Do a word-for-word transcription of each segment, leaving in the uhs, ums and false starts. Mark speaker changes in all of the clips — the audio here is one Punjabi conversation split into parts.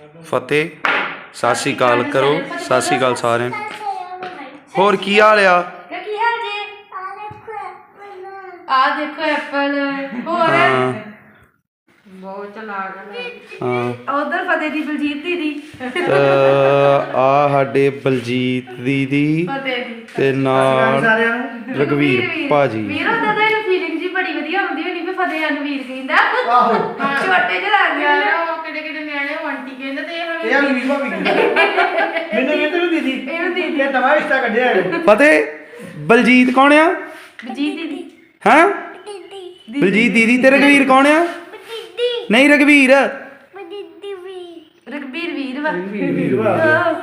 Speaker 1: फतेह सत श्री अकाल करो। सत श्री अकाल सारे होर की हाल आ?
Speaker 2: आ देखो एप्पल और बहुत चलाक है। उधर फतेह दी बलजीत दीदी
Speaker 1: आ साडे बलजीत दीदी ते नाल रघवीर भाजी।
Speaker 2: ਵੀਰ ਉਹਦਾ ਤਾਂ ਫੀਲਿੰਗ ਜੀ ਬੜੀ ਵਧੀਆ ਹੁੰਦੀ ਹੋਣੀ ਵੀ ਫਤਿਹ ਨੂੰ ਵੀਰ ਕਹਿੰਦਾ। ਆਹੋ ਛੋਟੇ ਜਿਹੇ ਲੱਗਦੇ ਆ ਉਹ ਕਿਹੜੇ ਕਿਹੜੇ ਨਿਆਣੇ ਉਹ ਆਂਟੀ ਕਹਿੰਦੇ ਤੇ ਇਹ
Speaker 3: ਇਹ ਵੀਰ ਭਾਬੀ ਕਹਿੰਦਾ ਮੈਨੂੰ ਕਹਿੰਦੇ ਨੂੰ ਦੀਦੀ
Speaker 2: ਇਹਨੂੰ ਦੀਦੀ
Speaker 3: ਇਹ ਨਵਾਂ ਰਿਸ਼ਤਾ ਕੱਢਿਆ ਹੈ।
Speaker 1: फतेह बलजीत कौन आ?
Speaker 2: ਬਲਜੀਤ ਦੀਦੀ
Speaker 1: हैं बलजीत दीदी ते रघवीर कौन आ? नहीं रघवीर
Speaker 2: ਰਘਬੀਰ ਵੀਰ ਵਾ
Speaker 3: ਵੀਰ ਵਾ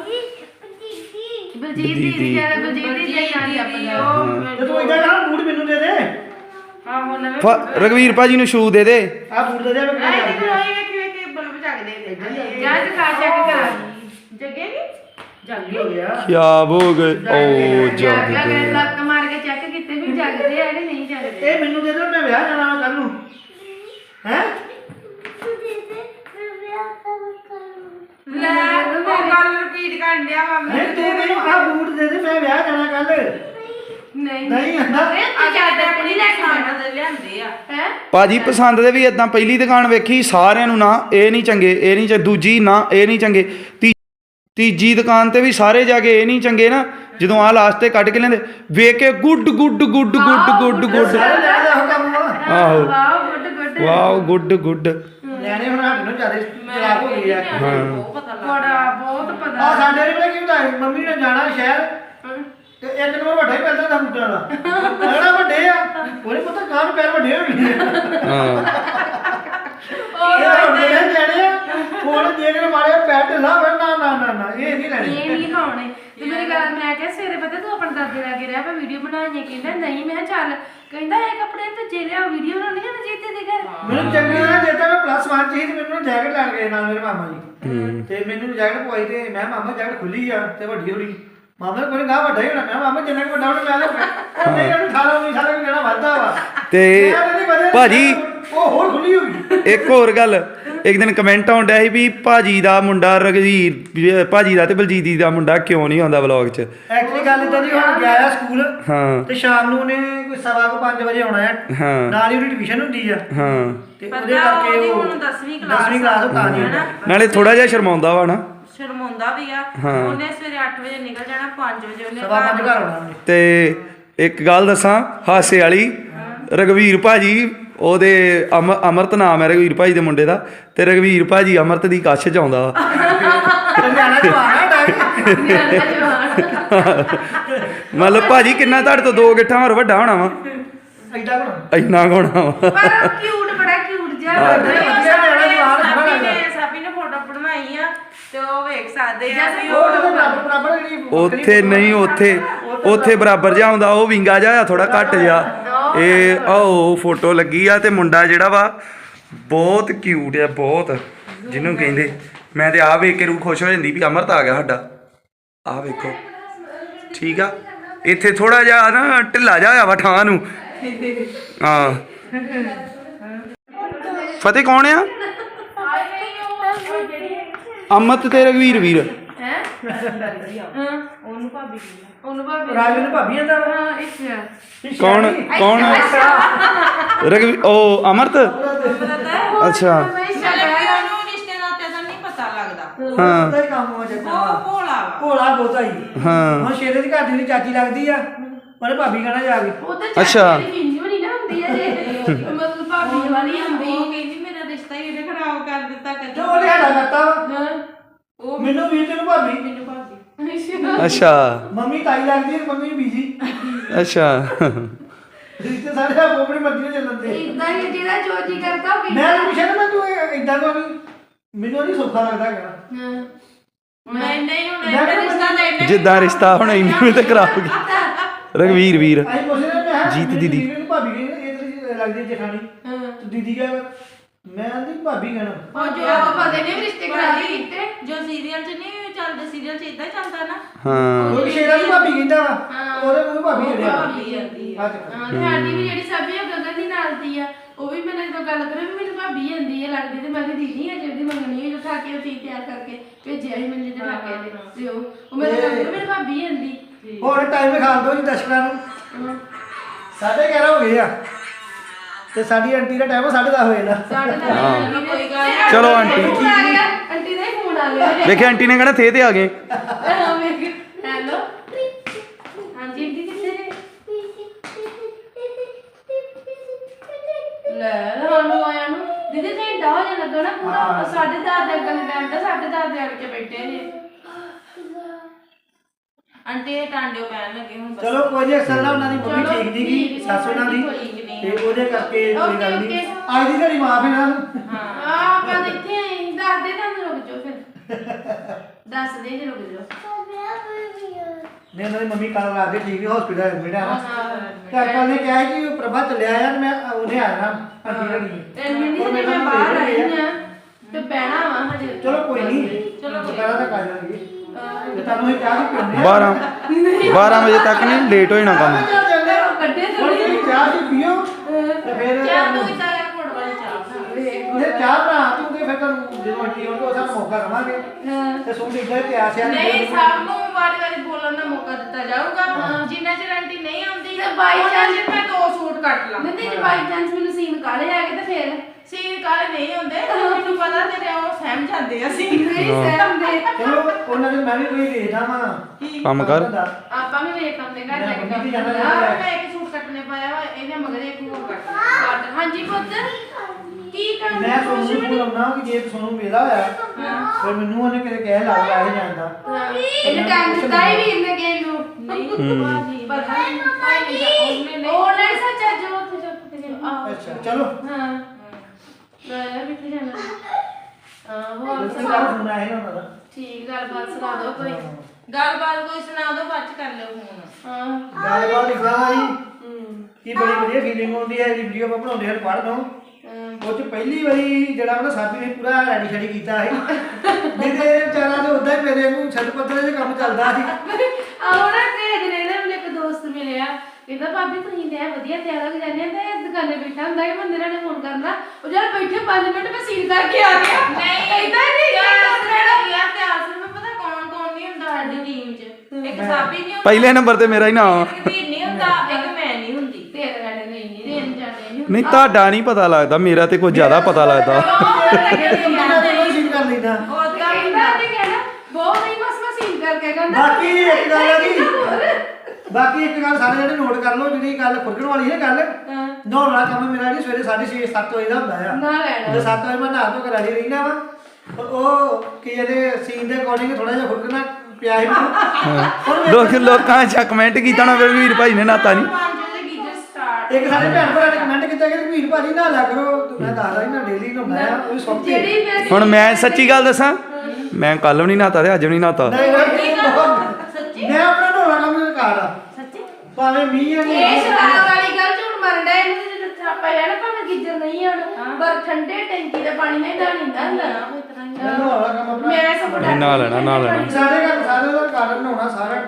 Speaker 2: ਬਲਜੀਤ ਦੀਦੀ ਜਿਹੜਾ ਬਲਜੀਤ ਦੀਦੀ ਆਈ ਆਪਣਾ
Speaker 3: ਤੇ ਤੂੰ ਇਦਾਂ ਕਰ ਬੂਟ ਮੈਨੂੰ ਦੇ ਦੇ।
Speaker 2: ਹਾਂ ਹੁਣ ਨਵੇਂ
Speaker 1: रघवीर भाजी नु शू दे दे।
Speaker 3: ਆ ਬੂਟ ਦੇ ਦੇ ਮੈਂ
Speaker 2: ਆਏ
Speaker 3: ਕਿਹਾ
Speaker 2: ਤੇ ਰੋਈ ਵੇਖ ਵੇਖ ਬਲਬ ਚੱਕ ਦੇ ਦੇ ਜਾ ਦਿਖਾ ਚੈੱਕ ਕਰਾ ਜੱਗੇਗੀ ਜੱਗ
Speaker 3: ਹੋ ਗਿਆ
Speaker 1: क्या हो गए ओ जग
Speaker 2: ਅਗਰ ਲੱਕ ਮਾਰ ਕੇ ਚੈੱਕ ਕੀਤੇ ਵੀ ਜਗਦੇ ਆ ਕਿ ਨਹੀਂ ਜਗਦੇ।
Speaker 3: ਇਹ ਮੈਨੂੰ ਦੇ ਦੇ ਮੈਂ ਵਿਆਹ ਜਾਣਾ ਕੱਲ ਨੂੰ ਹੈ।
Speaker 2: ਲੈ ਉਹ ਗੱਲ ਰਿਪੀਟ ਕਰਨ ਡਿਆ ਮਾਮੀ
Speaker 3: ਨਹੀਂ ਤੂੰ ਮੈਨੂੰ ਆ ਬੂਟ ਦੇ ਦੇ ਮੈਂ ਵਿਆਹ ਜਾਣਾ ਕੱਲ।
Speaker 2: ਨਹੀਂ
Speaker 3: ਨਹੀਂ ਆਂਦਾ
Speaker 2: ਤੂੰ ਜਿਆਦਾ ਨਹੀਂ ਲੈ ਕੇ ਆਣਾ ਤੇ ਲਿਆਂਦੇ ਆ ਹੈ
Speaker 1: ਭਾਜੀ ਪਸੰਦ ਦੇ ਵੀ ਇਦਾਂ ਪਹਿਲੀ ਦੁਕਾਨ ਵੇਖੀ ਸਾਰਿਆਂ ਨੂੰ ਨਾ ਇਹ ਨਹੀਂ ਚੰਗੇ ਇਹ ਨਹੀਂ ਚ ਦੂਜੀ ਨਾ ਇਹ ਨਹੀਂ ਚੰਗੇ ਤੀ ਤੀਜੀ ਦੁਕਾਨ ਤੇ ਵੀ ਸਾਰੇ ਜਾ ਕੇ ਇਹ ਨਹੀਂ ਚੰਗੇ ਨਾ ਜਦੋਂ ਆ ਲਾਸਟ ਤੇ ਕੱਢ ਕੇ ਲੈਂਦੇ ਵੇਖ ਕੇ good good good good good good
Speaker 3: ਸਾਰੇ ਲੈ ਜਾ ਹੋ ਕੰਮ
Speaker 1: ਆਹੋ
Speaker 2: wow good good
Speaker 1: wow good good
Speaker 3: ਲੈਣੇ ਹੁਣ ਸਾਡੇ ਨੂੰ ਜ਼ਿਆਦਾ ਚਲਾਕ ਹੋ ਗਈ ਆ।
Speaker 2: ਬਹੁਤ ਪਤਾ ਲੱਗ ਬੜਾ ਬਹੁਤ ਪਤਾ
Speaker 3: ਆ ਸਾਡੇ ਨੇ ਪਤਾ ਕੀ ਹੁੰਦਾ ਹੈ, ਮੰਮੀ ਨੇ ਜਾਣਾ ਸ਼ਹਿਰ ਤੇ ਇੱਕ ਨੰਬਰ ਵੱਡਾ ਹੀ ਪੈਂਦਾ ਦਾ ਬੂਟਾਂ ਦਾ ਕਹਿਣਾ ਵੱਡੇ ਆ ਉਹਨੇ ਪਤਾ ਕਾਹਨ ਪੈਰ ਵੱਡੇ ਹੋ ਗਏ
Speaker 1: ਹਾਂ
Speaker 3: ਇਹ ਵੱਡੇ ਲੈਣੇ ਆ ਹੁਣ ਦੇਖਣ ਵਾਲੇ ਪੈਰ ਢਿੱਲਾ ਹੋਵੇ ਨਾ ਨਾ ਨਾ ਨਾ ਇਹ ਨਹੀਂ ਲੈਣੇ।
Speaker 2: ਇਹ ਨਹੀਂ ਖਾਣੇ ਤੇ ਮੇਰੀ ਗੱਲ ਮੈਂ ਕਿਹਾ ਸਵੇਰੇ ਪਤਾ ਤੂੰ ਆਪਣੇ ਦਾਦੇ ਲਾਗੇ ਰਹਿ ਪਾ ਵੀਡੀਓ ਬਣਾਈਏ ਕਹਿੰਦਾ ਨਹੀਂ ਮੈਂ ਕਿਹਾ ਚੱਲ ਕਹਿੰਦਾ ਇਹ ਕੱਪੜੇ ਤੇ ਜੇ ਲਿਆ ਵੀਡੀਓ ਬਣਾਉਣੀ ਹੈ ਨਾ ਜੀਤੇ ਦੇ ਘਰ
Speaker 3: ਮੈਨੂੰ ਚੰਗੀ ਤਰ੍ਹਾਂ ਜੇ ਤਾਂ ਮੈਂ ਪਲੱਸ ਵਨ ਚ ਸੀ ਤੇ ਮੈਨੂੰ ਜੈਕਟ ਲੈਣ ਗਏ ਨਾਲ ਮੇਰੇ ਮਾਮਾ ਜੀ ਤੇ ਮੈਨੂੰ ਜੈਕਟ ਪਵਾਈ ਤੇ ਮੈਂ ਮਾਮਾ ਜੈਕਟ ਖੁੱਲੀ ਆ ਤੇ ਵੱਡੀ ਹੋਣੀ ਮਾਮਾ ਕੋਲ ਗਾ ਵੱਡਾ ਹੀ ਹੋਣਾ ਮੈਂ ਮਾਮਾ ਜਿੰਨਾ ਕੁ ਵੱਡਾ ਹੋਣਾ ਮੈਂ ਲੈ ਨਹੀਂ ਇਹਨੂੰ ਅਠਾਰਾਂ ਉੱਨੀ ਸਾਲਾਂ ਨੂੰ ਕਹਿਣਾ ਵੱਧਦਾ ਵਾ
Speaker 1: ਤੇ ਭਾਜੀ
Speaker 3: ਉਹ ਹੋਰ ਖੁੱਲੀ ਹੋ ਗਈ।
Speaker 1: ਇੱਕ ਹੋਰ ਗੱਲ ਇੱਕ ਦਿਨ ਕਮੈਂਟ ਆਉਣ ਡਿਆ ਸੀ ਵੀ ਭਾਜੀ ਦਾ ਮੁੰਡਾ ਰਘਵੀਰ ਭਾਜੀ ਦਾ ਤੇ ਬਲਜੀਤ ਦੀ ਦਾ ਮੁੰਡਾ ਕਿਉਂ ਨਹੀਂ ਆਉਂਦਾ ਵਲੌਗ 'ਚ।
Speaker 3: ਐਕਚੁਅਲੀ ਗੱਲ ਇਦਾਂ ਦੀ ਹੁਣ ਗਿਆ ਆ ਸਕੂਲ
Speaker 1: ਹਾਂ
Speaker 3: ਤੇ ਸ਼ਾਮ ਨੂੰ ਉਹਨੇ ਕੋਈ ਸਵਾ ਕੁ ਪੰਜ ਵਜੇ ਆਉਣਾ ਹੈ
Speaker 1: ਹਾਂ
Speaker 3: ਨਾਲ ਹੀ ਉਹਦੀ ਟਿਊਸ਼ਨ ਹੁੰਦੀ ਆ
Speaker 1: ਹਾਂ
Speaker 3: ਤੇ ਉਹਦੇ ਕਰਕੇ ਉਹ
Speaker 2: ਹੁਣ ਦਸਵੀਂ ਕਲਾਸ
Speaker 3: ਦਸਵੀਂ ਕਲਾਸ ਉਹ ਤਾਂ ਨਹੀਂ ਆਉਂਦਾ।
Speaker 1: ਨਾਲੇ ਥੋੜਾ ਜਿਹਾ ਸ਼ਰਮਾਉਂਦਾ ਵਾ ਨਾ
Speaker 2: ਸ਼ਰਮਾਉਂਦਾ ਵੀ ਆ
Speaker 1: ਹਾਂ।
Speaker 2: ਉਹਨੇ ਸਵੇਰੇ ਅੱਠ ਵਜੇ ਨਿਕਲ ਜਾਣਾ ਪੰਜ ਵਜੇ ਉਹਨੇ
Speaker 3: ਸਵਾ ਪੰਜ ਘਰ ਆਉਣਾ ਉਹਨੇ।
Speaker 1: ਤੇ ਇੱਕ ਗੱਲ ਦੱਸਾਂ ਹਾਸੇ ਵਾਲੀ ਰਘਵੀਰ ਭਾਜੀ ਉਹਦੇ ਅਮ ਅਮਰਤ ਨਾਮ ਹੈ ਰਘਵੀਰ ਭਾਜੀ ਦੇ ਮੁੰਡੇ ਦਾ ਤੇ ਰਘਵੀਰ ਭਾਜੀ ਅਮਰਤ ਦੀ ਕੱਛ 'ਚ ਆਉਂਦਾ ਵਾ
Speaker 3: ਤੇ ਨਿਆਣਾ ਜਵਾਨ ਆ ਡਾਈ
Speaker 2: ਨਿਆਣਾ ਜਵਾਨ
Speaker 1: ਮਤਲਬ ਭਾਜੀ ਕਿੰਨਾ ਤੁਹਾਡੇ ਤੋਂ ਦੋ ਗਿੱਠਾਂ ਹੋਰ ਵੱਡਾ ਹੋਣਾ ਵਾ
Speaker 3: ਐਡਾ ਕੋਣ
Speaker 1: ਇੰਨਾ ਕੁ ਹੋਣਾ ਵਾ
Speaker 2: ਪਰ ਕਿਊਟ ਬੜਾ ਕਿਊਟ ਜਿਹਾ
Speaker 3: ਹਾਂ,
Speaker 2: ਲੱਗਦਾ ਹੈ।
Speaker 3: ਵਧੀਆ ਨਿਆਣਾ ਜਵਾਨ ਸੋਹਣਾ
Speaker 2: ਸਾਬੀ
Speaker 3: ਲੱਗਦਾ।
Speaker 2: ਨੇ ਸਾਬੀ ਨੇ ਫੋਟੋ ਬਣਵਾਈ ਆ ਤੇ ਉਹ ਵੇਖ ਸਕਦੇ ਆ ਵੀ
Speaker 3: ਉਹ
Speaker 2: ਉਹ
Speaker 3: ਤੇ ਬਰਾਬਰ ਬਰਾਬਰ ਜਿਹੜੀ
Speaker 1: ਉੱਥੇ ਨਹੀਂ ਉੱਥੇ ਉੱਥੇ ਬਰਾਬਰ ਜਿਹਾ ਹੁੰਦਾ ਉਹ ਵਿੰਗਾ ਜਿਹਾ ਥੋੜਾ ਘੱਟ ਜਿਹਾ ਇਹ ਉਹ ਫੋਟੋ ਲੱਗੀ ਆ ਤੇ ਮੁੰਡਾ ਜਿਹੜਾ ਵਾ ਬਹੁਤ ਕਿਊਟ ਆ ਬਹੁਤ ਜਿਹਨੂੰ ਕਹਿੰਦੇ ਮੈਂ ਤੇ ਆਹ ਵੇਖ ਕੇ ਰੂਹ ਖੁਸ਼ ਹੋ ਜਾਂਦੀ ਵੀ ਅਮਰਤ ਆ ਗਿਆ ਸਾਡਾ ਆਹ ਵੇਖੋ ਠੀਕ ਆ ਇੱਥੇ ਥੋੜਾ ਜਿਹਾ ਨਾ ਢਿੱਲਾ ਜਿਹਾ ਹੋਇਆ ਵਾ ਠਾਂ ਨੂੰ ਹਾਂ ਫਤਿਹ ਕੌਣ ਆ ਅਮਰਤ ਤੇ ਰਘਵੀਰ ਵੀਰ
Speaker 2: ਹੈ ਹਾਂ ਉਹਨੂੰ ਭਾਬੀ ਉਹਨੂੰ ਭਾਬੀ
Speaker 3: ਰਾਜੂ ਨੂੰ ਭਾਬੀ ਆਂਦਾ ਵਾ
Speaker 2: ਹਾਂ ਇੱਥੇ
Speaker 1: ਕੌਣ ਕੌਣ ਰਘਵੀ ਉਹ ਅਮਰਤ ਅੱਛਾ
Speaker 2: ਉਹਨੂੰ ਰਿਸ਼ਤੇ ਨਾਤੇ ਦਾ ਨਹੀਂ ਪਤਾ ਲੱਗਦਾ
Speaker 1: ਹਾਂ
Speaker 3: ਉਹਦਾ ਹੀ ਕੰਮ ਹੋ ਜਾਂਦਾ
Speaker 2: ਉਹ ਭੋਲਾ ਵਾ
Speaker 3: ਭੋਲਾ ਬਹੁਤਾ ਹੀ
Speaker 1: ਹਾਂ
Speaker 3: ਹੁਣ ਸ਼ੇਰੇ ਦੀ ਘਰ ਦੀ ਚਾਚੀ ਲੱਗਦੀ ਆ ਉਹਨੇ ਭਾਬੀ ਕਹਿਣਾ ਜਾ ਕੇ
Speaker 2: ਉਹ ਤਾਂ
Speaker 1: ਅੱਛਾ।
Speaker 2: ਕਿੰਨੀ ਵੀ ਨਹੀਂ ਨਾ ਹੁੰਦੀ ਹੈ ਜੇ ਮਤਲਬ ਭਾਬੀ ਵਾਲੀ ਹੁੰਦੀ ਉਹ ਕਹਿੰਦੀ ਮੇਰਾ ਰਿਸ਼ਤਾ ਹੀ ਇਹਨੇ ਖਰਾਬ ਕਰ ਦਿੱਤਾ
Speaker 3: ਤੇ
Speaker 2: ਕਦੇ
Speaker 3: ਉਹਨੇ ਸਾਡਾ ਕਰਤਾ ਵਾ
Speaker 2: ਹਾਂ ਉਹ
Speaker 3: ਮੈਨੂੰ ਵੀਰ ਤੈਨੂੰ ਭਾਬੀ
Speaker 2: ਮੈਨੂੰ ਭਾਬੀ
Speaker 1: ਅੱਛਾ
Speaker 3: ਮੰਮੀ ਤਾਈ ਲੱਗਦੀ ਹੈ ਮੰਮੀ ਬੀਜੀ
Speaker 1: ਅੱਛਾ
Speaker 3: ਰਿਸ਼ਤੇ ਸਾਰੇ ਆਪੋ ਆਪਣੀ ਮਰਜ਼ੀ ਨਾਲ ਚੱਲਣ ਦੇ
Speaker 2: ਇਦਾਂ ਹੀ ਜਿਹਦਾ ਜੋ ਜੀ ਕਰਦਾ ਉਹ
Speaker 3: ਮੈਂ ਤਾਂ ਪੁੱਛਿਆ ਨਾ ਮੈਂ ਤੂੰ ਇਦਾਂ ਕੋ ਨਹੀਂ ਮੈਨੂੰ ਨਹੀਂ ਸੌਖਾ ਲੱਗਦਾ ਹੈਗਾ
Speaker 2: ਹਾਂ ਮੈਂ ਨਹੀਂ ਹੁਣ ਇਹਦਾ ਰਿਸ਼ਤਾ ਤਾਂ ਇਹਨੇ
Speaker 1: ਜਿੱਦਾਂ ਰਿਸ਼ਤਾ ਹੁਣ ਇੰਨੇ ਤੇ ਕਰਾਓਗੇ ਰਘਵੀਰ ਵੀਰ
Speaker 3: ਅਸੀਂ ਪੁੱਛਦੇ ਨੇ ਮੈਂ
Speaker 1: ਜੀਤ ਦੀਦੀ।
Speaker 3: ਮੈਨੂੰ ਭਾਬੀ ਕਹਿੰਦੀ ਇਹ ਤੇਰੀ ਲੱਗਦੀ ਜਠਾਣੀ
Speaker 2: ਹਾਂ
Speaker 3: ਤੇ ਦੀਦੀ ਕਹੇ ਮੈਂ ਆਂਦੀ ਭਾਬੀ ਕਹਿਣਾ
Speaker 2: ਉਹ ਜੋ ਆਪ ਫਤੇ ਨੇ ਵੀ ਰਿਸ਼ਤੇ ਕਰਾ ਕੇ ਕੀਤੇ ਜੋ ਸੀਰੀਅਲ 'ਚ ਨਹੀਂ ਚੱਲਦੇ ਸੀਰੀਅਲ 'ਚ ਇਦਾਂ ਚੱਲਦਾ ਨਾ
Speaker 1: ਹਾਂ
Speaker 3: ਉਹ ਸ਼ੇਰਾ ਨੂੰ ਭਾਬੀ ਕਹਿੰਦਾ ਵਾ
Speaker 2: ਹਾਂ।
Speaker 3: ਉਹਦੇ ਮੂੰਹ ਭਾਬੀ
Speaker 2: ਉਹ
Speaker 3: ਜੜਿਆ
Speaker 2: ਭਾਬੀ ਜਾਂਦੀ ਆ
Speaker 3: ਆ ਚੱਕਰ।
Speaker 2: ਹਾਂ ਤੇ ਸਾਡੀ ਵੀ ਜਿਹੜੀ ਸਾਬੀ ਆ ਗਗਨ ਦੀ ਨਾਲ ਦੀ ਆ ਉਹ ਵੀ ਮੈਨੂੰ ਜਦੋਂ ਗੱਲ ਕਰੇ ਵੀ ਮੈਨੂੰ ਭਾਬੀ ਜਾਂਦੀ ਹੈ ਲੱਗਦੀ ਤੇ ਮੈਂ ਉਹਦੀ ਦੀਦੀ ਹੈ ਜਿਹਦੀ ਮੰਗਣੀ ਹੈ ਜੋ ਠਾ ਕੇ ਉਹ ਚੀਜ਼ ਤਿਆਰ ਕਰਕੇ ਭੇਜਿਆ ਸੀ ਮੈਨੂੰ ਜਿਹਦੇ ਠਾਕੇ ਦੇ ਤੇ ਉਹ ਉਹ ਮੈਨੂੰ ਲੱਗਦਾ ਮੇਰੀ ਭਾਬੀ ਜਾਂਦੀ
Speaker 3: ਹੋਰ ਟਾਈਮ ਖਾਣ ਦੋ ਜੀ ਦਰਸ਼ਕਾਂ ਨੂੰ ਸਾਢੇ ਗਿਆਰਾਂ ਹੋ ਗਏ ਆ ਤੇ ਸਾਡੀ ਆਂਟੀ ਦਾ ਟਾਈਮ ਸਾਢੇ ਦਸ ਹੋਏ ਨਾ
Speaker 2: ਸਾਡੇ ਨਾਲ ਕੋਈ ਗੱਲ
Speaker 1: ਚਲੋ ਆਂਟੀ
Speaker 2: ਆਂਟੀ ਦਾ ਹੀ ਫੋਨ ਆ ਗਿਆ
Speaker 1: ਵੇਖਿਆ ਆਂਟੀ ਨੇ ਕਹਿਣਾ ਥੇ ਤੇ ਆ ਗਏ
Speaker 2: ਹੈਲੋ ਹਾਂਜੀ ਆਂਟੀ ਕਿੱਥੇ ਨੇ ਲੈ ਸਾਨੂੰ ਆਇਆ ਨੂੰ ਦੀਦੀ ਘੰਟਾ ਹੋ ਜਾ ਲੱਗਾ ਨਾ ਪੂਰਾ ਸਾਢੇ ਦਸ ਦੇ ਅੱਗੇ ਟਾਈਮ ਦਾ ਸਾਢੇ ਦਸ ਦੇ ਅੜ ਕੇ ਬੈਠੇ ਨੇ
Speaker 4: ਆਂਟੀ ਦੇ ਟਾਂਡਿਓ ਪੈਣ ਲੱਗੇ ਹੁਣ ਬਸ
Speaker 3: ਚਲੋ ਕੋਈ ਨਹੀਂ ਅਸਲ ਨਾਲ ਉਹਨਾਂ ਦੀ ਮੰਮੀ ਠੀਕ ਨਹੀਂ ਗਈ ਸੱਸ ਉਹਨਾਂ ਦੀ ਤੇ ਉਹਦੇ ਕਰਕੇ ਕੋਈ ਗੱਲ ਨਹੀਂ ਅੱਜ ਦੀ ਘੜੀ ਮਾਫ ਇਹਨਾਂ ਨੂੰ
Speaker 2: ਹਾਂ ਆਪਾਂ ਤਾਂ ਇੱਥੇ ਆਏ ਦੱਸ ਦੇ ਤੁਹਾਨੂੰ ਰੁਕ ਜਾਓ ਫਿਰ ਦੱਸ ਦੇ ਜੇ ਰੁਕ ਜਾਓ
Speaker 3: ਨੇ ਉਹਨਾਂ ਦੀ ਮੰਮੀ ਕੱਲ ਰਾਤ ਦੇ ਠੀਕ ਨਹੀਂ ਹਸਪੀਟਲ ਐਡਮਿਟ ਆ ਤੇ ਅੰਕਲ ਨੇ ਕਿਹਾ ਕਿ ਉਹ ਪ੍ਰਭਾ ਚੱਲਿਆ ਆ ਤੇ ਮੈਂ ਉਹਨੇ ਆਣਾ ਆਂਟੀ ਰਣੀ
Speaker 2: ਤੇ ਮੈਨੂੰ ਮੈਂ ਬਾਹਰ ਆਈ ਆ ਤੇ ਬਹਿਣਾ ਵਾ ਹਜੇ
Speaker 3: ਚਲੋ ਕੋਈ ਨਹੀਂ
Speaker 2: ਚਲੋ
Speaker 3: ਦੁਪਹਿਰਾਂ ਤੱਕ ਆ ਜਾਣਗੇ ਤੇ ਤੁਹਾਨੂੰ ਇਹ ਚਾਹ ਦੀ ਪੀਣੀ
Speaker 1: ਬਾਰਾਂ ਬਾਰਾਂ ਵਜੇ ਤੱਕ ਨਹੀਂ ਲੇਟ ਹੋ ਜਾਣਾ ਕੰਮ
Speaker 2: ਕੱਢੇ
Speaker 3: ਹੁਣ ਤੁਸੀਂ ਚਾਹ ਦੀ ਪੀਓ ਤੇ ਫਿਰ
Speaker 4: ਚਾਹ ਤੂੰ ਤਾਂ ਘੋੜ ਵਾਲੀ ਚਾਹ
Speaker 3: ਇਹ ਚਾਹ ਬਣਾ ਤੂੰ ਤੇ ਫਿਰ ਤੁਹਾਨੂੰ ਜਦੋਂ ਆਂਟੀ ਆਉਂਦੀ ਉਹ ਸਾਨੂੰ ਮੌਕਾ ਦਵਾਂਗੇ ਤੇ ਸੂਟ ਇੱਦਾਂ ਤਿਆਰ ਸਿਆਰ
Speaker 4: ਨਹੀਂ ਸਭ ਨੂੰ ਵਾਰੀ ਵਾਰੀ ਬੋਲਣ ਦਾ ਮੌਕਾ ਦਿੱਤਾ ਜਾਊਗਾ ਜਿੰਨਾ ਚਿਰ ਆਂਟੀ ਨਹੀਂ ਆਉਂਦੀ
Speaker 2: ਤੇ ਬਾਈ ਚਾਂਸ
Speaker 4: ਮੈਂ ਦੋ ਸੂਟ ਕੱਟ ਲਾਂ
Speaker 2: ਨਹੀਂ ਤੇ ਬਾਈ ਚਾਂਸ ਮੈਨੂੰ ਸੀਨ ਕਾਲੇ ਆ ਗਏ ਤੇ ਫਿਰ
Speaker 4: ਸੀਨ ਕਾਲੇ ਨਹੀਂ ਹੁੰਦੇ ਮੈਨੂੰ ਪਤਾ ਤੇਰੇ ਉਹ ਸਹਿਮ ਜਾਂਦੇ ਅਸੀਂ
Speaker 2: ਨਹੀਂ ਸਹਿਮ ਦੇ
Speaker 3: ਚਲੋ ਉਹਨਾਂ ਦੇ ਮੈਂ ਵੀ ਕੋਈ ਦੇਖਦਾ ਵਾਂ
Speaker 1: ਕੰਮ ਕਰ
Speaker 2: ਆਪਾਂ ਵੀ ਵੇਖ ਆਉਂਦੇ ਘਰ ਜਾ ਕੇ
Speaker 3: ਮੈਂ ਵੀ
Speaker 2: ਕੰਮ
Speaker 3: ਜਾਣਾ
Speaker 2: ਕਰਨਾ।
Speaker 4: ਮੈਂ ਇੱਕ ਸੂਟ ਕੱਟਨੇ ਪਾਇਆ ਵਾ ਇਹਨੇ ਮਗਰ ਇੱਕ ਹੋਰ ਕੱਟ
Speaker 2: ਕੱਟ। ਹਾਂਜੀ ਪੁੱਤ ਕੀ ਕਰਨਾ
Speaker 3: ਮੈਂ ਸੋਨੂੰ ਨੂੰ ਬੁਲਾਉਣਾ ਕਿ ਜੇ ਸੋਨੂੰ ਮੇਲਾ ਹੋਇਆ ਫਿਰ ਮੈਨੂੰ ਉਹਨੇ ਕਿਤੇ ਕਹਿ ਲਾ ਲਾ ਹੀ ਜਾਂਦਾ
Speaker 2: ਇਹਨੇ ਟਾਈਮ ਦਿੱਤਾ ਹੀ ਵੀਰ ਨੇ ਗੇਮ ਨੂੰ
Speaker 4: ਨਹੀਂ ਬਾਜੀ
Speaker 2: ਪਤਾ ਨਹੀਂ
Speaker 4: ਉਹਨੇ ਨਹੀਂ
Speaker 2: ਉਹ ਨਹੀਂ ਸੱਚਾ ਜੋ ਉੱਥੇ ਜੋ ਉੱਥੇ ਜਾ
Speaker 3: ਅੱਛਾ ਚਲੋ
Speaker 2: ਹਾਂ ਮੈਂ ਵੀ ਕਿੱਥੇ ਜਾਣਾ ਹਾਂ ਹੋਰ
Speaker 3: ਉਸ ਦਾ ਫੋਨ ਆਇਆ ਨਾ ਉਹਨਾਂ ਦਾ
Speaker 2: ਠੀਕ ਗੱਲ ਬਾਤ ਸੁਣਾ ਦਿਓ ਕੋਈ
Speaker 4: ਗੱਲਬਾਤ ਕੋਈ ਸੁਣਾ ਦੋ ਬਾਅਦ ਚ ਕਰ ਲਿਓ ਫੋਨ
Speaker 2: ਹਾਂ
Speaker 3: ਗੱਲਬਾਤ ਇਦਾਂ ਆਈ
Speaker 2: ਹੂੰ
Speaker 3: ਕਿ ਬੜੀ ਵਧੀਆ ਫੀਲਿੰਗ ਆਉਂਦੀ ਹੈ ਜਿਹੜੀ ਵੀਡੀਓ ਆਪਾਂ ਬਣਾਉਂਦੇ ਹਾਂ ਪੜ੍ਹ ਦੋ ਉਹ ਚ ਪਹਿਲੀ ਵਾਰੀ ਜਿਹੜਾ ਉਹਨਾਂ ਸਾਬੀ ਨੇ ਪੂਰਾ ਰੈਡੀ ਸ਼ੈਡੀ ਕੀਤਾ ਸੀ ਨਹੀਂ ਤੇ ਵਿਚਾਰਾ ਤੇ ਉਦਾਂ ਹੀ ਮੇਰੇ ਨੂੰ ਛੱਡ ਪੱਤਰੇ ਦੇ ਕੰਮ ਚੱਲਦਾ ਸੀ
Speaker 2: ਆਉਣਾ ਤੇ ਦਿਨੇ ਨੇ ਮੈਨੂੰ ਇੱਕ ਦੋਸਤ ਮਿਲਿਆ ਕਹਿੰਦਾ ਭਾਬੀ ਤੁਸੀਂ ਤੇ ਵਧੀਆ ਤਿਆਰ ਹੋ ਕੇ ਜਾਂਦੇ ਆ ਤੇ ਦੁਕਾਨੇ ਬੈਠਾ ਹੁੰਦਾ ਕਿ ਬੰਦੇ ਨੇ ਫੋਨ ਕਰਨਾ ਉਹ ਜਦ ਬੈਠੇ ਪੰਜ ਮਿੰਟ ਮੈਂ ਸੀਨ ਕਰਕੇ ਆ ਗਿਆ
Speaker 4: ਨਹੀਂ
Speaker 2: ਕਹਿੰਦਾ ਨਹੀਂ
Speaker 4: ਯਾਰ ਯਾਰ ਤੇ ਆਸਰ ਮੈਂ ਪਤਾ ਕੌਣ ਕੌਣ ਨਹੀਂ ਹੁੰਦਾ ਸਾਡੀ ਟੀਮ ਚ ਇੱਕ ਸਾਬੀ ਨਹੀਂ ਹੁੰਦਾ
Speaker 1: ਪਹਿਲੇ ਨੰਬਰ ਤੇ ਮੇਰਾ ਹੀ ਨਾਮ
Speaker 4: ਇੱਕ ਵੀਰ ਨਹੀਂ ਹੁੰਦਾ ਇੱਕ ਮੈਂ ਨਹੀਂ ਹੁੰਦੀ
Speaker 2: ਤੇਰੇ ਵਾਲੇ ਨੇ ਇੰਨੀ ਦੇਣ ਜਾਣੇ ਨਹੀਂ
Speaker 1: ਨਹੀਂ ਤੁਹਾਡਾ ਨਹੀਂ ਪਤਾ ਲੱਗਦਾ ਮੇਰਾ ਤੇ ਕੁਝ ਜ਼ਿਆਦਾ ਪਤਾ ਲੱਗਦਾ
Speaker 3: ਇਹਨਾਂ ਦੇ ਕੋਈ ਸੀਨ ਕਰ ਲੈਂਦਾ
Speaker 4: ਉਹ ਤਾਂ
Speaker 2: ਕਹਿੰਦਾ ਤੇ ਕਹਿਣਾ ਬਹੁਤ ਨਹੀਂ ਬਸ ਮੈਂ ਸੀਨ ਕਰਕੇ ਕਹਿੰਦਾ
Speaker 3: ਬਾਕੀ ਇੱਕ ਗੱਲ ਹੈ ਜੀ ਬਾਕੀ ਇੱਕ ਗੱਲ ਸਾਰੇ ਜਿਹੜੇ ਨੋਟ ਕਰ ਲਓ ਜਿਹੜੀ ਗੱਲ ਖੁਰਕਣ ਵਾਲੀ ਹੈ ਗੱਲ ਨਹਾਉਣ ਵਾਲਾ ਕੰਮ ਮੇਰਾ ਜੀ ਸਵੇਰੇ ਸਾਢੇ ਛੇ ਸੱਤ ਵਜੇ ਦਾ ਹੁੰਦਾ ਆ
Speaker 2: ਨਾ ਲੈਣਾ
Speaker 3: ਤੇ ਸੱਤ ਵਜੇ ਮੈਂ ਨਹਾ ਧੋ ਕੇ ਰੈਡੀ ਰਹਿਣਾ ਵਾ ਪਰ ਉਹ ਕੀ ਇਹਦੇ ਸੀਨ ਦੇ ਅਕੋਰਡਿੰਗ ਥੋੜਾ ਜਿਹਾ ਖੁਰਕਣਾ ਪਿਆ ਹੀ ਮੈਨੂੰ
Speaker 1: ਲੋਕ ਲੋਕਾਂ ਨੇ ਕਮੈਂਟ ਕੀਤਾ ਨਾ ਫਿਰ ਵੀਰ ਭਾਈ ਨੇ ਨਾਤਾ ਨਹੀਂ
Speaker 4: ਪੰਜ ਵਜੇ ਗੀਜ਼ਰ ਸਟਾਰਟ
Speaker 3: ਇੱਕ ਸਾਡੇ ਭੈਣ ਭਰਾ ਨੇ ਕਮੈਂਟ ਕੀਤਾ ਕਿ ਵੀਰ ਭਾਜੀ ਨਾ ਲਿਆ ਕਰੋ ਮੈਂ ਦੱਸਦਾ ਸੀ ਨਾ ਡੇਲੀ ਨਹਾਉਂਦਾ ਆ ਉਹ ਵੀ ਸੌਖੀ
Speaker 2: ਜਿਹੜੀ ਮੈਂ
Speaker 1: ਹੁਣ ਮੈਂ ਸੱਚੀ ਗੱਲ ਦੱਸਾਂ ਮੈਂ ਕੱਲ ਵੀ ਨਹੀਂ ਨਾਤਾ ਤੇ ਅੱਜ ਵੀ ਨਹੀਂ ਨਾਤਾ
Speaker 3: ਨਹੀਂ ਨਹੀਂ ਬਹੁਤ
Speaker 4: ਸੱਚੀ
Speaker 3: ਮੈਂ ਆਪਣਾ ਨਹਾਉਣਾ ਕੰਮ ਰਿਕਾਰਡ ਆ
Speaker 4: ਸੱਚੀ
Speaker 3: ਭਾਵੇਂ ਮੀਂਹ ਆ
Speaker 2: ਇਹ ਸ਼ਰਾਬ ਵਾਲੀ ਗੱਲ ਝੂਠ ਮਰਦਾ ਇਹਨੂੰ ਤੇ ਜਦੋਂ ਥਾਪਾ ਲੈਣਾ ਭਾਵੇਂ ਗਿੱਜਰ ਨਹੀਂ ਹੁਣ ਪਰ ਠੰਡੇ ਟੈਂਕੀ ਦੇ ਪਾਣੀ ਨਾਲ ਡਾ ਨਿੰਦਾ ਹੁੰਦਾ
Speaker 4: ਕੋਈ ਤਰ੍ਹਾਂ ਹੀ
Speaker 3: ਮੈਂ ਨਹਾਉਣਾ ਕੰਮ ਆਪਣਾ
Speaker 2: ਮੈਂ ਸਭ
Speaker 1: ਨਹੀਂ, ਨਾ ਲੈਣਾ, ਨਾ ਲੈਣਾ।
Speaker 3: ਸਾਡੇ ਘਰ ਸਾਰੇ ਦਾ ਰਿਕਾਰਡ ਨਹਾਉਣਾ ਸਾਰਾ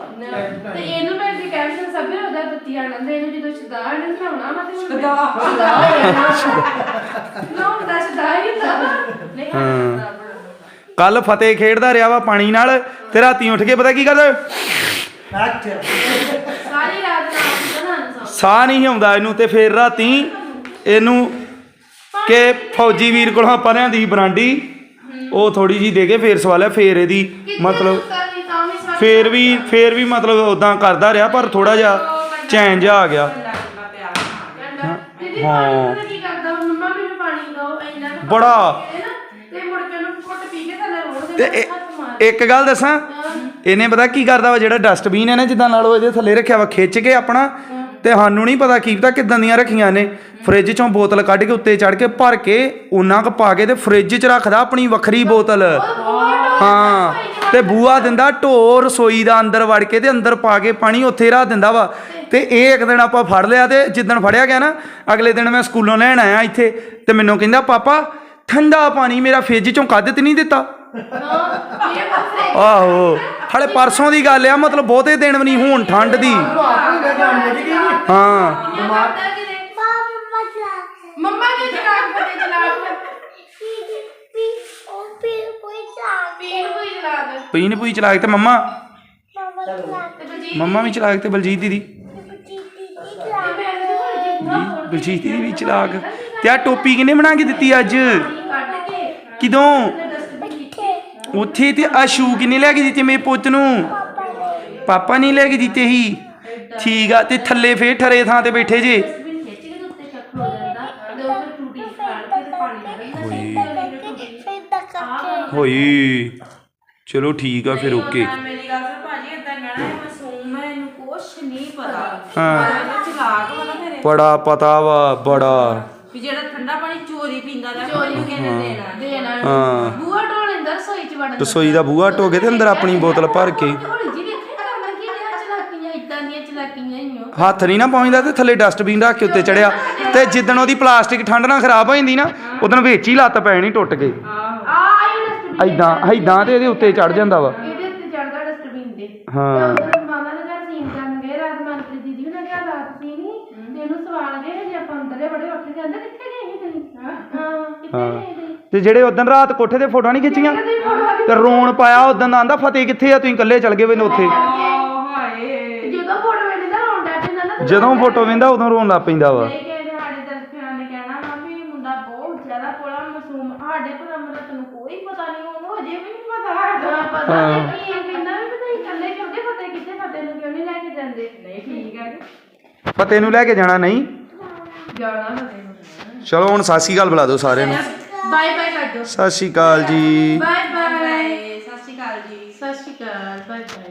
Speaker 2: ਤੇ ਇਹਨੂੰ ਮੈਂ ਜੇ ਕੈਪਸ਼ਨ ਸਭੇ ਉਹਦਾ ਦਿੱਤੀ ਆ ਲੰਦੇ ਇਹਨੂੰ ਜਦੋਂ ਸ਼ਦਾ ਨੇ ਨਹਾਉਣਾ ਮੈਂ ਤੇ ਸ਼ਦਾ ਨਾ ਹੁੰਦਾ ਸ਼ਦਾ ਹੀ ਹੁੰਦਾ
Speaker 4: ਨਹੀਂ
Speaker 1: ਹਾਂ ਕੱਲ ਫਤਿਹ ਖੇਡਦਾ ਰਿਹਾ ਵਾ ਪਾਣੀ ਨਾਲ ਤੇ ਰਾਤੀ ਉੱਠ ਕੇ ਪਤਾ ਕੀ ਕਰਦਾ
Speaker 3: ਅੱਛਾ
Speaker 2: ਸਾਰੀ ਰਾਤ ਨਾ ਬਣਾਉਣਾ ਸੌ
Speaker 1: ਸਾਹ ਨਹੀਂ ਆਉਂਦਾ ਇਹਨੂੰ ਤੇ ਫਿਰ ਰਾਤੀ ਇਹਨੂੰ ਕਿ ਫੌਜੀ ਵੀਰ ਕੋਲੋਂ ਆਪਾਂ ਲਿਆਂਦੀ ਸੀ ਬਰਾਂਡੀ ਉਹ ਥੋੜੀ ਜੀ ਦੇ ਕੇ ਫੇਰ ਸਵਾਲਿਆ ਫੇਰ ਇਹਦੀ ਮਤਲਬ ਫੇਰ ਵੀ ਫੇਰ ਵੀ ਮਤਲਬ ਉਦਾਂ ਕਰਦਾ ਰਿਹਾ ਪਰ ਥੋੜਾ ਜਿਹਾ ਚੈਨ ਜਿਹਾ ਆ ਗਿਆ
Speaker 2: ਦੀਦੀ ਪਾਣੀ ਕੀ ਕਰਦਾ ਮੰਮਾ ਮੈਨੂੰ ਪਾਣੀ ਦਿਓ ਇੰਨਾ ਕੁ
Speaker 1: ਬੜਾ
Speaker 2: ਪਾਣੀ ਦੇ ਨਾ, ਤੇ ਮੁੜ ਕੇ ਉਹਨੂੰ ਘੁੱਟ ਪੀ ਕੇ ਥੱਲੇ ਰੋੜ
Speaker 1: ਤੇ
Speaker 2: ਦੇ
Speaker 1: ਇਹ-
Speaker 2: ਹੱਥ ਮਾਰ
Speaker 1: ਇੱਕ ਗੱਲ ਦੱਸਾਂ ਇਹਨੇ ਪਤਾ ਕੀ ਕਰਦਾ ਵਾ ਜਿਹੜਾ ਡਸਟਬਿਨ ਹੈ ਨਾ ਜਿੱਦਾਂ ਨਾਲ ਉਹ ਇਹਦੇ ਥੱਲੇ ਰੱਖਿਆ ਵਾ ਖਿੱਚ ਕੇ ਆਪਣਾ ਤੇ ਸਾਨੂੰ ਨਹੀਂ ਪਤਾ ਕੀ ਪਤਾ ਕਿੱਦਾਂ ਦੀਆਂ ਰੱਖੀਆਂ ਨੇ ਫ੍ਰਿਜ ਚੋਂ ਬੋਤਲ ਕੱਢ ਕੇ ਉੱਤੇ ਚੜ ਕੇ ਭਰ ਕੇ ਉਹਨਾਂ ਕ ਪਾ ਕੇ ਤੇ ਫ੍ਰਿਜ 'ਚ ਰੱਖਦਾ ਆਪਣੀ ਵੱਖਰੀ ਬੋਤਲ ਹਾਂ ਤੇ ਬੂਆ ਦਿੰਦਾ ਢੋ ਰਸੋਈ ਦਾ ਅੰਦਰ ਵੜ ਕੇ ਤੇ ਅੰਦਰ ਪਾ ਕੇ ਪਾਣੀ ਉੱਥੇ ਰੱਖ ਦਿੰਦਾ ਵਾ ਤੇ ਇਹ ਇੱਕ ਦਿਨ ਆਪਾਂ ਫੜ ਲਿਆ ਤੇ ਜਿੱਦਣ ਫੜਿਆ ਗਿਆ ਨਾ ਅਗਲੇ ਦਿਨ ਮੈਂ ਸਕੂਲੋਂ ਲੈਣ ਆਇਆ ਇੱਥੇ ਤੇ ਮੈਨੂੰ ਕਹਿੰਦਾ ਪਾਪਾ ਠੰਡਾ ਪਾਣੀ ਮੇਰਾ ਫ੍ਰਿਜ ਚੋਂ ਕੱਢ ਤੇ ਨਹੀਂ ਦਿੱਤਾ
Speaker 2: ਇਹ ਬਸ
Speaker 1: ਆਹੋ ਹਲੇ ਪਰਸੋਂ ਦੀ ਗੱਲ ਆ ਮਤਲਬ ਬਹੁਤੇ ਦਿਨ ਵੀ ਨਹੀਂ ਹੁਣ ਠੰਡ ਦੀ ਹਾਂ
Speaker 2: ਮੰਮਾ ਨੇ ਚਲਾਕ ਫਤੇ ਚਲਾਕ ਪੀਣ ਕੋਈ ਚਲਾਕ
Speaker 1: ਪੀਣ ਪੂਈ ਚਲਾਕ ਤੇ ਮੰਮਾ
Speaker 2: ਤੇ ਬਲਜੀਤ
Speaker 1: ਮੰਮਾ ਵੀ ਚਲਾਕ ਤੇ ਬਲਜੀਤ ਦੀਦੀ ਬਲਜੀਤ ਦੀਦੀ ਵੀ ਚਲਾਕ ਤੇ ਆ ਟੋਪੀ ਕਿਹਨੇ ਬਣਾ ਕੇ ਦਿੱਤੀ ਅੱਜ
Speaker 2: ਕੱਢ ਕੇ
Speaker 1: ਕਿਦੋਂ
Speaker 2: ਡਸਟਬਿਨ ਕੀਤੇ
Speaker 1: ਉੱਥੇ ਤੇ ਆ ਸ਼ੂ ਕਿਹਨੇ ਲੈ ਕੇ ਦਿੱਤੇ ਮੇਰੇ ਪੁੱਤ ਨੂੰ ਪਾਪਾ ਨਹੀਂ ਲੈ ਕੇ ਦਿੱਤੇ ਸੀ ਠੀਕ ਆ ਤੇ ਥੱਲੇ ਫੇਰ ਠਰੇ ਥਾਂ ਤੇ ਬੈਠੇ ਜੇ
Speaker 2: ਡਸਟਬਿਨ ਖਿੱਚ ਕੇ ਤੇ ਉੱਤੇ ਚੱਕ ਹੋ ਜਾਂਦਾ ਤੇ ਉਹ ਫਿਰ ਟੂਟੀ ਫਾੜ ਕੇ ਤੇ ਪਾਣੀ
Speaker 1: ਹੋਈ ਚਲੋ ਠੀਕ ਆ ਫਿਰ ਓਕੇ
Speaker 4: ਮੇਰੀ ਗੱਲ ਸੁਣ ਭਾਜੀ ਏਦਾਂ ਕਹਿਣਾ ਹੈ ਮਾਸੂਮ ਹੈ ਇਹਨੂੰ ਕੁਛ ਨਹੀਂ ਪਤਾ
Speaker 1: ਹਾਂ
Speaker 4: ਇਹਦੇ ਚਲਾਕ ਵਾ ਨਾ ਮੇਰੇ
Speaker 1: ਬੜਾ ਪਤਾ ਵਾ ਬੜਾ
Speaker 4: ਵੀ ਜਿਹੜਾ ਠੰਡਾ ਪਾਣੀ ਚੋਰੀ ਪੀਂਦਾ ਦਾ ਚੋਰੀ ਕਿਹਨੇ ਦੇਣਾ
Speaker 2: ਦੇਣਾ
Speaker 1: ਹਾਂ
Speaker 2: ਬੂਹਾ ਢੋਲ ਲੈਂਦਾ ਰਸੋਈ ਚ ਵੜਨ
Speaker 1: ਰਸੋਈ ਦਾ ਬੂਹਾ ਢੋ ਕੇ ਤੇ ਅੰਦਰ ਆਪਣੀ ਬੋਤਲ ਭਰ ਕੇ
Speaker 2: ਹੌਲੀ ਜੀ ਵੇਖੇ ਕਰਨਾ ਕੀ ਰਿਹਾ ਚਲਾਕੀਆਂ ਇਦਾਂ ਦੀਆਂ ਚਲਾਕੀਆਂ ਹੀ ਹੋ
Speaker 1: ਹੱਥ ਨਹੀਂ ਨਾ ਪਹੁੰਚਦਾ ਤੇ ਥੱਲੇ ਡਸਟਬਿਨ ਰੱਖ ਕੇ ਉੱਤੇ ਚੜਿਆ ਤੇ ਜਿੱਦਣ ਉਹਦੀ ਪਲਾਸਟਿਕ ਠੰਡ ਨਾਲ ਖਰਾਬ ਹੋ ਜਾਂਦੀ ਨਾ ਉਦੋਂ ਵਿੱਚ ਹੀ ਲੱਤ ਪੈਣੀ ਟੁੱਟ ਕੇ
Speaker 2: ਆ ਇਹ ਡਸਟਬਿਨ
Speaker 1: ਐਦਾਂ ਐਦਾਂ ਤੇ ਇਹਦੇ ਉੱਤੇ ਚੜ ਜਾਂਦਾ ਵਾ
Speaker 2: ਇਹਦੇ ਉੱਤੇ ਚੜਦਾ ਡਸਟਬਿਨ ਦੇ
Speaker 1: ਹਾਂ
Speaker 2: ਤੇ ਮਾਮਾ ਦੇ ਘਰ ਸੀਨ ਕਰਨ ਗਏ ਰਾਤ ਮਨਪ੍ਰੀਤ ਦੀਦੀ ਉਹਨਾਂ ਦੇ ਘਰ ਰਾਤ ਸੀ ਨਹੀਂ ਤੇ ਇਹਨੂੰ ਸਵਾਲ ਗਏ ਜੇ ਆਪਾਂ ਅੰਦਰਲੇ ਬੜੇ ਉੱਠ ਜਾਂਦੇ ਕਿੱਥੇ ਗਏ ਸੀ ਤੁਸੀਂ ਹਾਂ ਕਿੱਥੇ ਗਏ ਸੀ
Speaker 1: ਤੇ ਜਿਹੜੇ ਉਦੋਂ ਰਾਤ ਕੋਠੇ ਤੇ ਫੋਟੋਆਂ ਨਹੀਂ ਖਿੱਚੀਆਂ
Speaker 2: ਕਦੇ ਫੋਟੋ ਆ ਗਈ
Speaker 1: ਤੇ ਰੋਣ ਪਾਇਆ ਉਦੋਂ ਦਾ ਆਂਦਾ ਫਤਿਹ ਕਿੱਥੇ ਆ ਤੁਸੀਂ ਇਕੱਲੇ ਚਲ ਗਏ ਵੇ ਉੱਥੇ
Speaker 4: ਹਾਏ
Speaker 2: ਜਦੋਂ ਫੋਟੋ ਵੇਖਦਾ ਰੋਣ ਡੈ ਪੈਂਦਾ ਨਾ ਤੇ
Speaker 1: ਜਦੋਂ ਫੋਟੋ ਵੇਂਦਾ ਉਦੋਂ ਰੋਣ ਲੱਗ ਪੈਂਦਾ ਵਾ
Speaker 4: ਨਹੀਂ ਕਿਸੇ ਦੇ ਸਾਡੇ ਦਰਸ਼ਕਾਂ ਨੇ ਕਹਿਣਾ ਮਾਮੀ ਮੁੰਡਾ ਬਹੁਤ ਜ਼ਿਆਦਾ ਕੋਲਾ ਮਾਸੂਮ ਸਾਡੇ ਪਰ ਅਮਰਤ ਨੂੰ ਕੋਈ ਪਤਾ ਨਹੀਂ ਉਹਨੂੰ ਅਜੇ ਵੀ ਨਹੀਂ ਪਤਾ ਹੈਗਾ
Speaker 2: ਹਾਂ, ਪਤਾ ਨਹੀਂ ਕੀ ਇਹ ਕਹਿੰਦਾ ਵੀ ਤੁਸੀਂ ਇਕੱਲੇ ਕਿਉਂ ਗਏ ਫਤਿਹ ਕਿੱਥੇ ਫਤਿਹ ਨੂੰ ਕਿਉਂ ਨਹੀਂ ਲੈ ਕੇ ਜਾਂਦੇ
Speaker 4: ਨਹੀਂ ਠੀਕ ਹੈ
Speaker 1: ਫਤਿਹ ਨੂੰ ਲੈ ਕੇ ਜਾਣਾ ਨਹੀਂ
Speaker 2: ਜਾਣਾ ਫਤਿਹ ਨੂੰ
Speaker 1: ਚਲੋ ਹੁਣ ਸਤਿ ਸ਼੍ਰੀ ਅਕਾਲ ਬੁਲਾ ਦਿਓ ਸਾਰਿਆਂ ਨੂੰ
Speaker 2: ਬਾਏ ਬਾਏ ਕਰ ਦਿਓ
Speaker 1: ਸਤਿ ਸ਼੍ਰੀ ਅਕਾਲ ਜੀ
Speaker 2: ਬਾਏ ਬਾਏ
Speaker 4: ਬਾਏ ਸਤਿ ਸ਼੍ਰੀ ਅਕਾਲ ਜੀ
Speaker 2: ਸਤਿ ਸ਼੍ਰੀ ਅਕਾਲ ਬਾਏ ਬਾਏ